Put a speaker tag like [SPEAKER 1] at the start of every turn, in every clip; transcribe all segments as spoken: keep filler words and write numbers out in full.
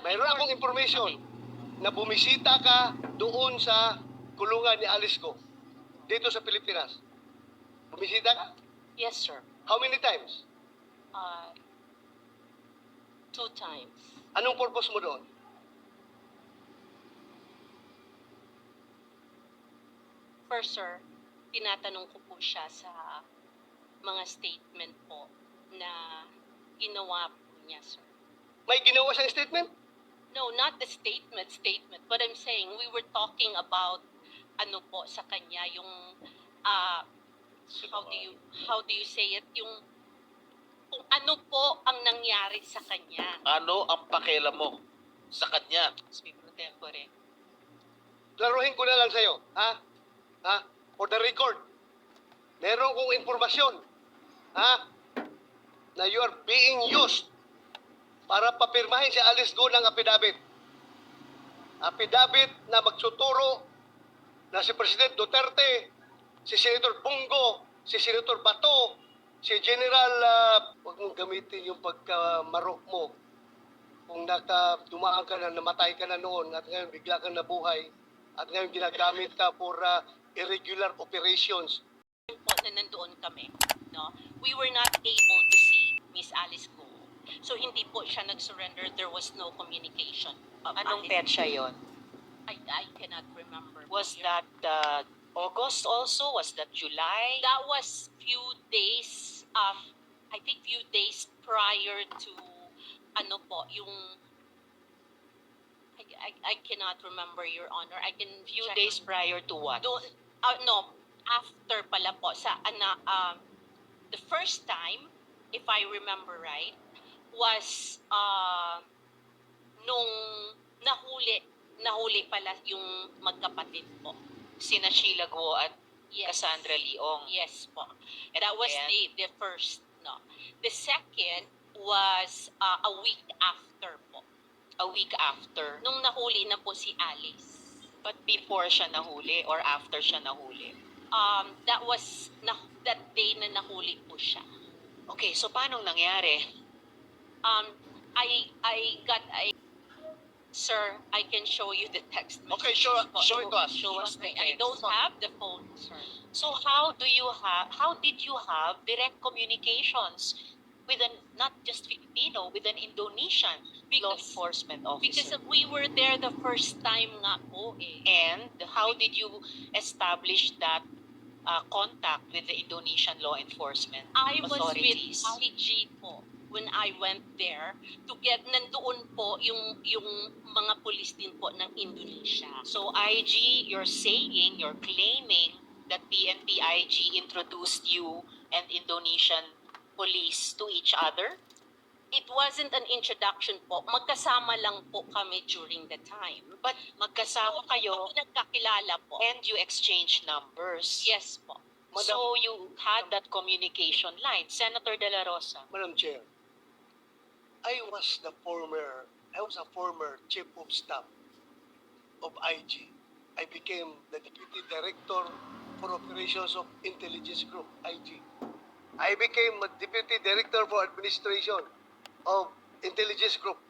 [SPEAKER 1] Mayroon akong information na bumisita ka doon sa kulungan ni Alice Go dito sa Pilipinas. Bumisita ka?
[SPEAKER 2] Yes, sir.
[SPEAKER 1] How many times?
[SPEAKER 2] Uh, two times.
[SPEAKER 1] Anong purpose mo doon?
[SPEAKER 2] First, sir, tinatanong ko po siya sa mga statement po na ginawa po niya, sir.
[SPEAKER 1] May ginawa siyang statement?
[SPEAKER 2] No, not the statement, statement. But I'm saying we were talking about ano po sa kanya, yung uh, how do you how do you say it, yung kung ano po ang nangyari sa kanya.
[SPEAKER 3] Ano ang pakialam mo sa kanya?
[SPEAKER 2] Speaker tempore.
[SPEAKER 1] Laruhin ko na lang sa'yo, ha? Ha? For the record, meron kong informasyon, ha? Na you are being used para papirmahin si Alice Go ng affidavit. Affidavit na magsuturo na si President Duterte, si Senator Bungo, si Senator Bato, si General, uh, huwag mong gamitin yung pagkamarok mo. Kung naka, dumaan ka na, namatay ka na noon, at ngayon bigla kang nabuhay, at ngayon ginagamit ka for uh, irregular operations.
[SPEAKER 2] Po na nandoon kami, no? We were not able to see Miss Alice Go. So hindi po siya nag-surrender. There was no communication. of
[SPEAKER 4] Anong
[SPEAKER 2] Alice
[SPEAKER 4] petsa
[SPEAKER 2] Go.
[SPEAKER 4] yon?
[SPEAKER 2] I, I cannot remember.
[SPEAKER 4] Was
[SPEAKER 2] Your-
[SPEAKER 4] that uh, August also? Was that July?
[SPEAKER 2] That was few days, um, I think few days prior to, ano po, yung, I, I, I cannot remember, Your Honor. I can
[SPEAKER 4] Few
[SPEAKER 2] check
[SPEAKER 4] days
[SPEAKER 2] on-
[SPEAKER 4] prior to what?
[SPEAKER 2] Doon, uh, no, after pala po, sa, ana, um, the first time, if I remember right, was, uh, nung nahuli, nahuli pala yung magkapatid po.
[SPEAKER 4] Sina Sheila Guo at
[SPEAKER 2] Yes.
[SPEAKER 4] Cassandra Leong.
[SPEAKER 2] Yes po.
[SPEAKER 4] And
[SPEAKER 2] That was
[SPEAKER 4] then-
[SPEAKER 2] the, the first, no. The second was uh, a week after po.
[SPEAKER 4] A week after.
[SPEAKER 2] Nung nahuli na po si Alice.
[SPEAKER 4] But before siya nahuli or after siya nahuli?
[SPEAKER 2] Um, that was, na, that day na nahuli po siya.
[SPEAKER 4] Okay, so paano nangyari?
[SPEAKER 2] Um, I, I got a, sir, I can show you the text message.
[SPEAKER 3] Okay, show,
[SPEAKER 2] po.
[SPEAKER 3] show it to us.
[SPEAKER 4] Show us the
[SPEAKER 2] I, I don't
[SPEAKER 4] text.
[SPEAKER 2] have the phone, sir.
[SPEAKER 4] So how do you have, how did you have direct communications with an, not just Filipino, with an Indonesian law
[SPEAKER 2] Because-
[SPEAKER 4] enforcement
[SPEAKER 2] Because
[SPEAKER 4] officer?
[SPEAKER 2] we were there the first time nga po eh.
[SPEAKER 4] And how did you establish that uh, contact with the Indonesian law enforcement
[SPEAKER 2] I was with
[SPEAKER 4] authorities?
[SPEAKER 2] I G po when I went there to get, nandoon po yung, yung mga pulis din po ng Indonesia.
[SPEAKER 4] So I G, you're saying, you're claiming that P N P I G introduced you and Indonesian police to each other?
[SPEAKER 2] It wasn't an introduction po. Magkasama lang po kami during the time.
[SPEAKER 4] But magkasama kayo
[SPEAKER 2] Ako nagkakilala po.
[SPEAKER 4] and you exchange numbers.
[SPEAKER 2] Yes po.
[SPEAKER 4] So you had that communication line. Senator De La Rosa.
[SPEAKER 1] Madam Chair, I was the former, I was a former chief of staff of I G. I became the deputy director for operations of intelligence group, I G. I became a deputy director for administration of intelligence group.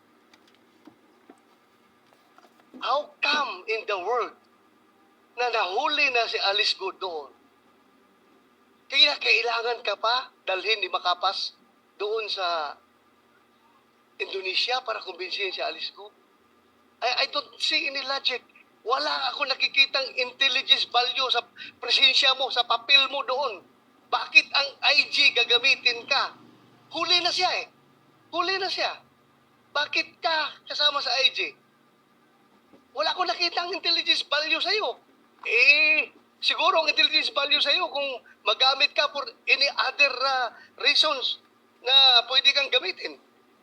[SPEAKER 1] How come in the world na nahuli na si Alice Go doon? Kaya kailangan ka pa dalhin ni Makapas doon sa Indonesia para kumbinsihin si Alice Go? I, I don't see any logic. Wala ako nakikitang intelligence value sa presensya mo, sa papel mo doon. Bakit ang I G gagamitin ka? Huli na siya eh. Huli na siya. Bakit ka kasama sa I G? Wala akong nakitang intelligence value sa'yo. Eh, siguro ang intelligence value sa'yo kung magamit ka for any other uh, reasons na pwede kang gamitin.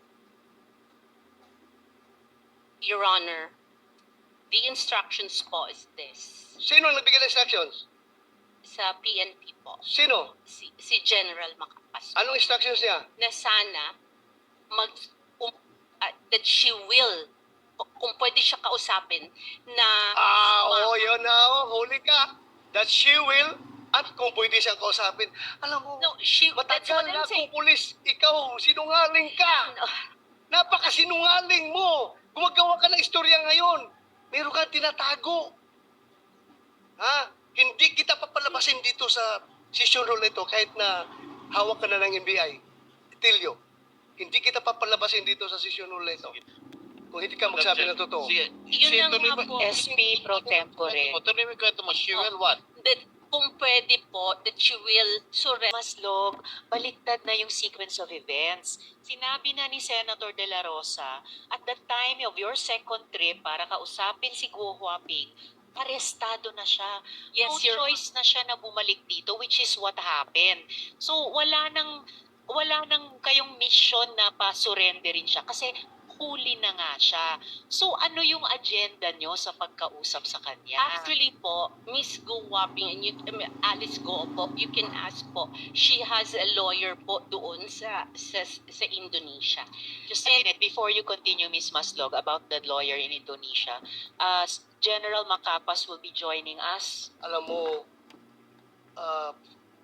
[SPEAKER 2] Your Honor, the instructions po is this.
[SPEAKER 1] Sino ang nagbigay ng instructions?
[SPEAKER 2] Sa P N P po.
[SPEAKER 1] Sino?
[SPEAKER 2] Si, si General Makapas.
[SPEAKER 1] Anong instructions niya?
[SPEAKER 2] Na sana mag um, uh, that she will, kung pwede siya kausapin, na
[SPEAKER 1] Ah,
[SPEAKER 2] ma-
[SPEAKER 1] oo, yun na, oh, huli ka. That she will, at kung pwede siyang kausapin. Alam mo,
[SPEAKER 2] no, she, that's
[SPEAKER 1] matagal
[SPEAKER 2] what
[SPEAKER 1] na
[SPEAKER 2] I'm
[SPEAKER 1] akong
[SPEAKER 2] saying.
[SPEAKER 1] pulis, ikaw, sinungaling ka.
[SPEAKER 2] No,
[SPEAKER 1] Napakasinungaling mo. Gumagawa ka ng istorya ngayon. Meron kang tinatago. Ha? Hindi kita papalabasin dito sa session hall ito kahit na hawak ka na ng N B I. Tilio, hindi kita papalabasin dito sa session hall ito. Kung hindi ka magsabi ng totoo.
[SPEAKER 3] Sige.
[SPEAKER 2] Yun
[SPEAKER 3] Sige,
[SPEAKER 2] na
[SPEAKER 3] tuloy
[SPEAKER 2] nga
[SPEAKER 3] mo-
[SPEAKER 2] po.
[SPEAKER 4] S P pro tempore.
[SPEAKER 3] O, tuloy mo yung kwento mo. She will what?
[SPEAKER 2] That kung pwede po, that you will surrender.
[SPEAKER 4] Maslog, baliktad na yung sequence of events. Sinabi na ni Senator De La Rosa, at the time of your second trip para kausapin si Guo Huaping, arestado na siya.
[SPEAKER 2] Yes,
[SPEAKER 4] No
[SPEAKER 2] Your
[SPEAKER 4] choice na siya na bumalik dito, which is what happened. So, wala nang, wala nang kayong mission na pa-surrenderin siya kasi huli na nga siya. So, ano yung agenda nyo sa pagkausap sa kanya?
[SPEAKER 2] Actually po, Miss Go Waping and you, um, Alice Go po, you can ask po. She has a lawyer po doon sa sa, sa Indonesia.
[SPEAKER 4] Just a minute, before you continue, Miss Maslog, about the lawyer in Indonesia, uh, General Macapas will be joining us.
[SPEAKER 1] Alam mo, uh,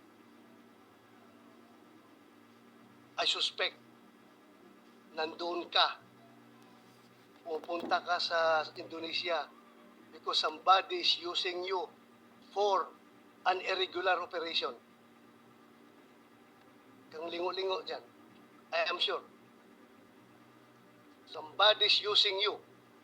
[SPEAKER 1] I suspect nandoon ka. Pupunta ka sa Indonesia because somebody is using you for an irregular operation. Kang lingo-lingo dyan. I am sure. Somebody is using you.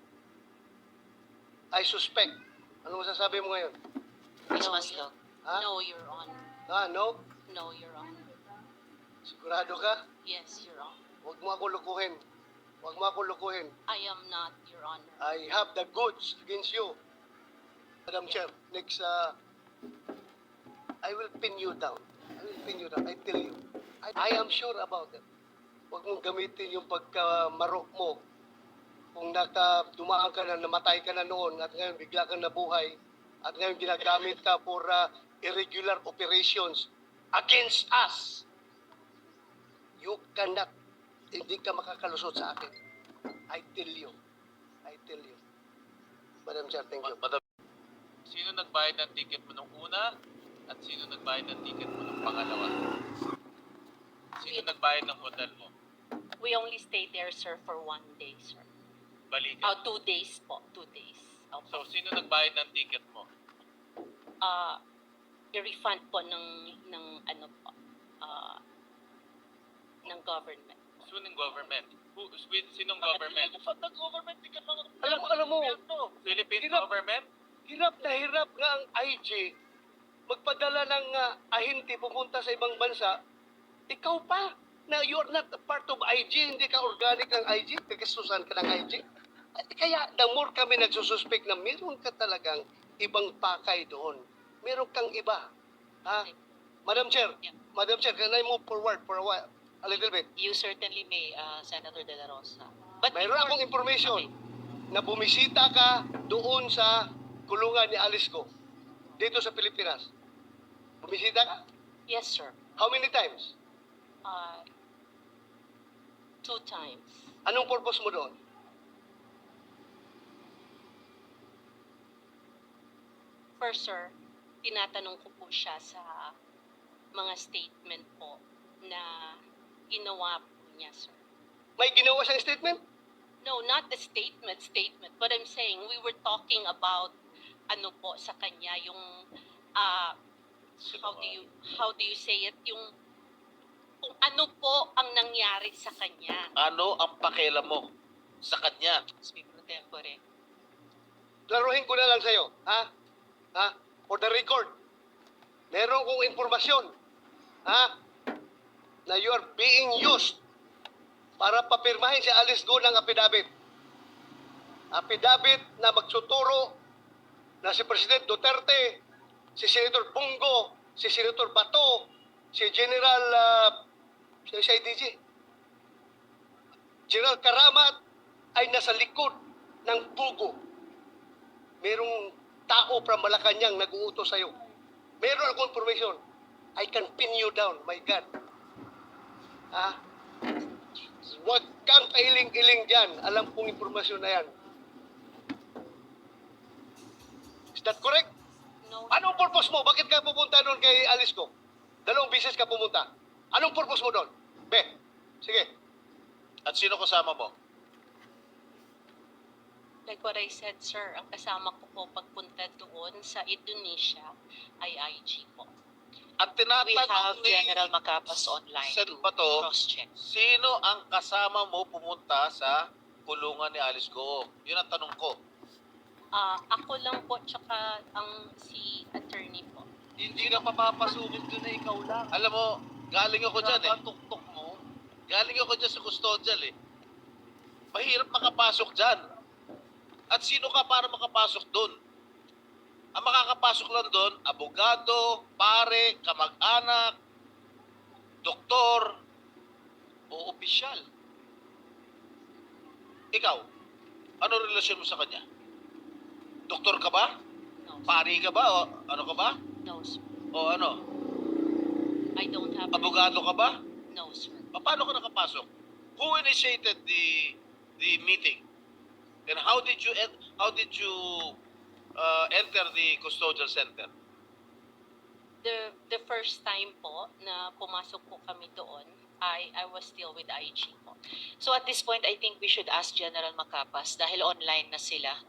[SPEAKER 1] I suspect. Ano masasabi mo ngayon?
[SPEAKER 4] Miss
[SPEAKER 2] No,
[SPEAKER 4] Maslog.
[SPEAKER 1] Ha?
[SPEAKER 2] No, Your Honor.
[SPEAKER 1] Ah, no?
[SPEAKER 2] No, Your Honor.
[SPEAKER 1] Sigurado ka?
[SPEAKER 2] Yes, Your Honor.
[SPEAKER 1] Huwag mo ako lukuhin. Huwag mo ako lukuhin.
[SPEAKER 2] I am not, Your Honor.
[SPEAKER 1] I have the goods against you. Madam Chair, next, uh, I will pin you down. I will pin you down. I tell you. I, I am sure about it. Huwag mong gamitin yung pagkamarok mo. Kung naka, dumaan ka na, namatay ka na noon, at ngayon bigla kang nabuhay, at ngayon ginagamit ka for uh, irregular operations against us. You cannot, hindi ka makakalusot sa akin. I tell you. I tell you. Madam Chair, thank you.
[SPEAKER 3] Ma- Madam, sino nagbayad ng ticket mo nung una at sino nagbayad ng ticket mo nung pangalawa? Sino nagbayad ng hotel mo?
[SPEAKER 2] We only stayed there, sir, for one day, sir.
[SPEAKER 3] Balikan.
[SPEAKER 2] Oh, two days po. Two days.
[SPEAKER 3] So,
[SPEAKER 2] Opo.
[SPEAKER 3] sino nagbayad ng ticket mo?
[SPEAKER 2] Uh, i-refund po ng, ng ano po, uh, ng government.
[SPEAKER 3] Sinong government? Who, with, sinong government? Ano government? Di ka lang
[SPEAKER 1] Alam mo, alam mo,
[SPEAKER 3] Philippine
[SPEAKER 1] Hirap.
[SPEAKER 3] government?
[SPEAKER 1] hirap na hirap nga ang I G magpadala ng uh, ahente pupunta sa ibang bansa. Ikaw pa, na you are not a part of I G, hindi ka organic ng I G, kagasusan ka ng I G. At kaya, the more kami nagsususpect na meron ka talagang ibang pakay doon. Meron kang iba. Ha? Madam Chair,
[SPEAKER 4] Yeah.
[SPEAKER 1] Madam Chair, can I move forward for a while? A little bit.
[SPEAKER 4] You certainly may, uh, Senator De La Rosa. But
[SPEAKER 1] Mayroon
[SPEAKER 4] before-
[SPEAKER 1] akong information
[SPEAKER 4] Okay.
[SPEAKER 1] na bumisita ka doon sa kulungan ni Alice Go, dito sa Pilipinas. Bumisita ka?
[SPEAKER 2] Yes, sir.
[SPEAKER 1] How many times?
[SPEAKER 2] Uh, two times.
[SPEAKER 1] Anong purpose mo doon?
[SPEAKER 2] First, sir, tinatanong ko po siya sa mga statement po na ginawa po niya, sir.
[SPEAKER 1] May ginawa siyang statement?
[SPEAKER 2] No, not the statement, statement. But I'm saying we were talking about ano po sa kanya yung uh, how do you how do you say it yung kung ano po ang nangyari sa kanya.
[SPEAKER 3] Ano ang pakialam mo sa kanya?
[SPEAKER 4] Speak pro tempore.
[SPEAKER 1] Laruhin ko na lang sa'yo. Ha? Ha? For the record, meron kong informasyon. Ha? Na you are being used para papirmahin si Alice Go ng affidavit. Affidavit na magsuturo na si President Duterte, si Senator Bungo, si Senator Bato, si General uh, si I D G, General Karamat ay nasa likod ng Bugo. Merong tao from Malacanang nag-uutos sa'yo. Meron akong information. I can pin you down, my God. Ha? Huwag kang kailing-iling dyan. Alam kong informasyon na yan. Is that correct?
[SPEAKER 2] No,
[SPEAKER 1] Anong purpose mo? Bakit ka pupunta doon kay Alice Go? Dalawang beses ka pumunta. Anong purpose mo doon? Be, sige.
[SPEAKER 3] At sino kasama mo?
[SPEAKER 2] Like what I said, sir, ang kasama ko po pagpunta doon sa Indonesia ay I G po.
[SPEAKER 3] At
[SPEAKER 4] We have
[SPEAKER 3] tinatanong ni
[SPEAKER 4] General Macapas online
[SPEAKER 3] Sen
[SPEAKER 4] to
[SPEAKER 3] Bato,
[SPEAKER 4] cross-check.
[SPEAKER 3] sino ang kasama mo pumunta sa kulungan ni Alice Goong? Yun ang tanong ko.
[SPEAKER 2] Ah, ako lang po, tsaka ang si attorney po.
[SPEAKER 1] Hindi ka papapasukin doon na ikaw lang.
[SPEAKER 3] Alam mo, galing ako dyan eh.
[SPEAKER 1] Tuktok mo.
[SPEAKER 3] Galing ako dyan sa custodial eh. Mahirap makapasok dyan. At sino ka para makapasok doon? Ang makakapasok lang doon, abogado, pare, kamag-anak, doktor,
[SPEAKER 1] O opisyal.
[SPEAKER 3] ikaw. Ano relasyon mo sa kanya? Doktor ka ba?
[SPEAKER 2] No, sir.
[SPEAKER 3] Pari ka ba? O ano ka ba?
[SPEAKER 2] No, sir.
[SPEAKER 3] O ano?
[SPEAKER 2] I don't have...
[SPEAKER 3] Abogado ka ba?
[SPEAKER 2] No, sir.
[SPEAKER 3] Paano ka nakapasok? Who initiated the the meeting? And how did you en- how did you uh, enter the custodial center?
[SPEAKER 2] The the first time po na pumasok po kami doon, I I was still with I G po.
[SPEAKER 4] So at this point, I think we should ask General Macapas dahil online na sila.